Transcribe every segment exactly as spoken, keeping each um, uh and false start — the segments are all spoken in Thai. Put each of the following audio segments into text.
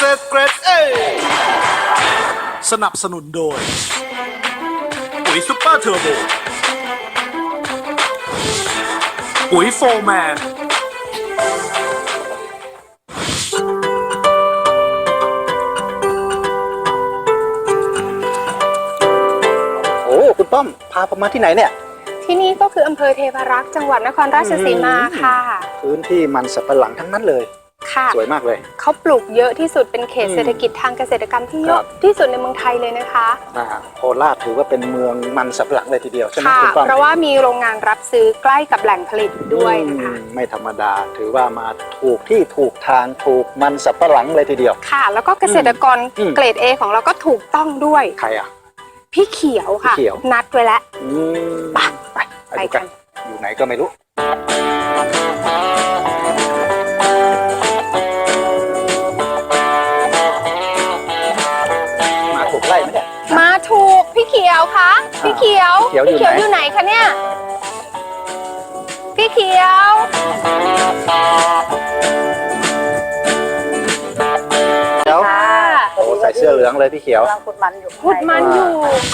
ตรเกรดเอสนับสนุนโดยปุ๋ยซุปเปอร์เทอร์โบปุ๋ยโฟร์แมนโอ้คุณป้อมพาผมมาที่ไหนเนี่ยที่นี่ก็คืออำเภอเทพารักษ์จังหวัดนครราชสีมาค่ะพื้นที่มันสับปะหลังทั้งนั้นเลยค่ะสวยมากเลยเขาปลูกเยอะที่สุดเป็นเขตเศรษฐกิจทางเกษตรกรรมที่เยอะที่สุดในเมืองไทยเลยนะคะโคราชถือว่าเป็นเมืองมันสับปะหลังเลยทีเดียวใช่ไหมคุณป้อมเพราะว่ามีโรงงานรับซื้อใกล้กับแหล่งผลิตด้วยนะคะไม่ธรรมดาถือว่ามาถูกที่ถูกทางถูกมันสับปะหลังเลยทีเดียวค่ะแล้วก็เกษตรกรเกรด เอ ของเราก็ถูกต้องด้วยใครอ่ะพี่เขียวค่ะนัดไว้แล้วไปไปไปกันอยู่ไหนก็ไม่รู้มาถูกไล่ไหมเนี่ยมาถูกพี่เขียวคะพี่เขียวพี่เขียวอยู่ไหนคะเนี่ยพี่เขียวเดี๋ยวโอ้ใส่เสื้อเหลืองเลยพี่เขียวกำลังขุดมันอยู่ขุดมันอยู่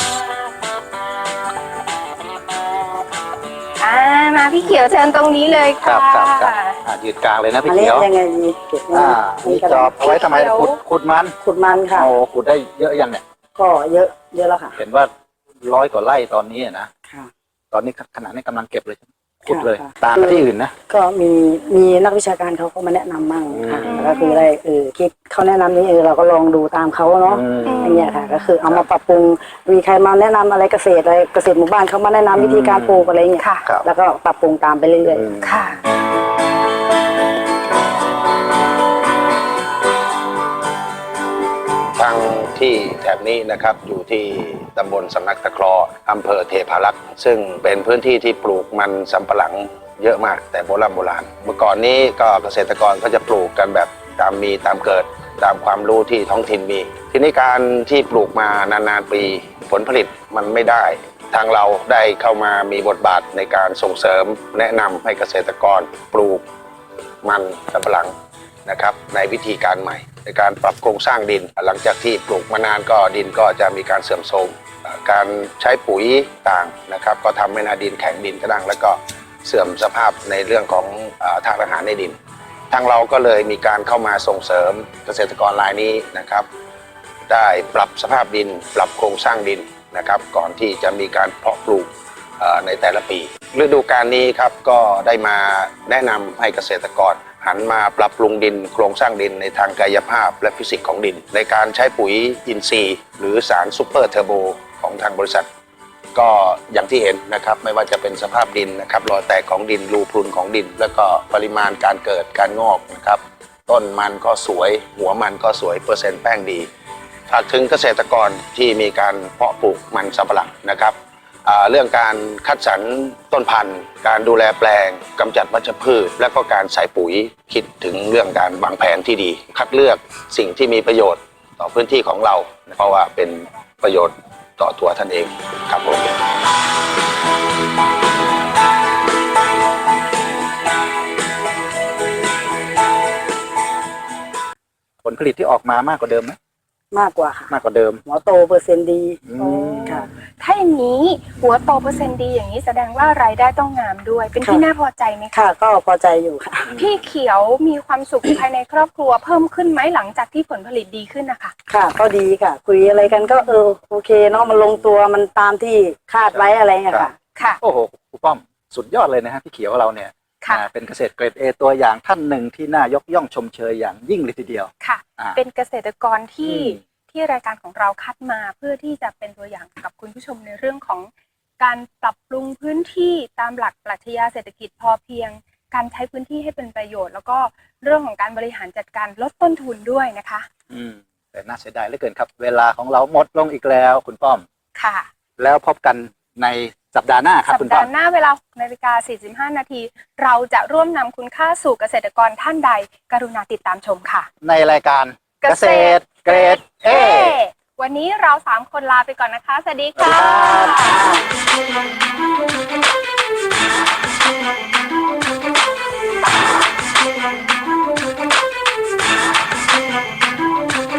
อ่ามาพี่เขียวเชิญตรงนี้เลยค่ะครับครับยืนกลางเลยนะพี่เขียวยังไงดีเก็บอ่ามีจอบเอาไว้ทำไมขุดขุดมันขุดมันค่ะโอ้ขุดได้เยอะยังเนี่ยก็เยอะเยอะแล้วค่ะเห็นว่าร้อยกว่าไร่ตอนนี้นะค่ะตอนนี้ขณะนี้กำลังเก็บเลยขุดเลยตามที่อื่นนะก็มีมีนักวิชาการเขาก็มาแนะนำมั่งค่ะก็คือได้เออคิดเขาแนะนำนี้เออเราก็ลองดูตามเขาเนาะอย่างเงี้ยค่ะก็คือเอามาปรับปรุงมีใครมาแนะนำอะไรเกษตรอะไรเกษตรหมู่บ้านเขามาแนะนำวิธีการปลูกอะไรเงี้ยแล้วก็ปรับปรุงตามไปเรื่อยๆค่ะทางที่แถบนี้นะครับอยู่ที่ตำบลสำนักตะเคราะห์อำเภอเทพารักษ์ซึ่งเป็นพื้นที่ที่ปลูกมันสำปะหลังเยอะมากแต่โบราณโบราณเมื่อก่อนนี้ก็เกษตรกรก็จะปลูกกันแบบตามมีตามเกิดตามความรู้ที่ท้องถิ่นมีทีนี้การที่ปลูกมานานๆปีผลผลิตมันไม่ได้ทางเราได้เข้ามามีบทบาทในการส่งเสริมแนะนำให้เกษตรกรปลูกมันสำปะหลังนะครับในวิธีการใหม่ในการปรับโครงสร้างดินหลังจากที่ปลูกมานานก็ดินก็จะมีการเสื่อมโทรมการใช้ปุ๋ยต่างนะครับก็ทำให้นาดินแข็งดินกระด้างแล้วก็เสื่อมสภาพในเรื่องของธาตุอาหารในดินทางเราก็เลยมีการเข้ามาส่งเสริมเกษตรกรรายนี้นะครับได้ปรับสภาพดินปรับโครงสร้างดินนะครับก่อนที่จะมีการเพาะปลูกในแต่ละปีฤดูกาลนี้ครับก็ได้มาแนะนำให้เกษตรกรหันมาปรับปรุงดินโครงสร้างดินในทางกายภาพและฟิสิกส์ของดินในการใช้ปุ๋ยอินทรีย์หรือสารซูเปอร์เทอร์โบของทางบริษัทก็อย่างที่เห็นนะครับไม่ว่าจะเป็นสภาพดินนะครับรอยแตกของดินรูพรุนของดินแล้วก็ปริมาณการเกิดการงอกนะครับต้นมันก็สวยหัวมันก็สวยเปอร์เซ็นต์แป้งดีฝากถึงเกษตรกรที่มีการเพาะปลูกมันสำปะหลังนะครับเรื่องการคัดสรรต้นพันธุ์การดูแลแปลงกำจัดวัชพืชและก็การใส่ปุ๋ยคิดถึงเรื่องการวางแผนที่ดีคัดเลือกสิ่งที่มีประโยชน์ต่อพื้นที่ของเราเพราะว่าเป็นประโยชน์ต่อตัวท่านเองครับผมผลผลิตที่ออกมามากกว่าเดิมไหมมากกว่าค่ะมากกว่าเดิมหัวโตเปอร์เซ็นต์ดีค่ะถ้าอย่างนี้หัวโตเปอร์เซ็นต์ดีอย่างนี้แสดงว่ารายได้ต้องงามด้วยเป็นที่น่าพอใจไหมคะค่ะก็พอใจอยู่ค่ะพี่เขียวมีความสุขภายในครอบครัวเพิ่มขึ้นไหมหลังจากที่ผลผลิตดีขึ้นนะคะค่ะก็ดีค่ะคุยอะไรกันก็เออโอเคเนาะมันลงตัวมันตามที่คาดไว้อะไรเงี้ยค่ะค่ะโอ้โหครูป้อมสุดยอดเลยนะฮะพี่เขียวเราเนี่ยเป็นเกษตรเกรด เอ ตัวอย่างท่านหนึ่งที่น่ายกย่องชมเชยอย่างยิ่งเลยทีเดียวค่ะเป็นเกษตรกรที่ที่รายการของเราคัดมาเพื่อที่จะเป็นตัวอย่างกับคุณผู้ชมในเรื่องของการปรับปรุงพื้นที่ตามหลักปรัชญาเศรษฐกิจพอเพียงการใช้พื้นที่ให้เป็นประโยชน์แล้วก็เรื่องของการบริหารจัดการลดต้นทุนด้วยนะคะอืมแต่น่าเสียดายเหลือเกินครับเวลาของเราหมดลงอีกแล้วคุณป้อมค่ะแล้วพบกันในสัปดาห์หน้าครับคุณป้อมสัปดาห์หน้าเวลา หกนาฬิกาสี่สิบห้า นาทีเราจะร่วมนำคุณค่าสู่เกษตรกรท่านใดกรุณาติดตามชมค่ะในรายการเกษตรเกรด เอวันนี้เราสามคนลาไปก่อนนะคะสวัสดีค่ะ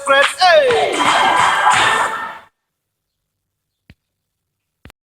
เกรดเอ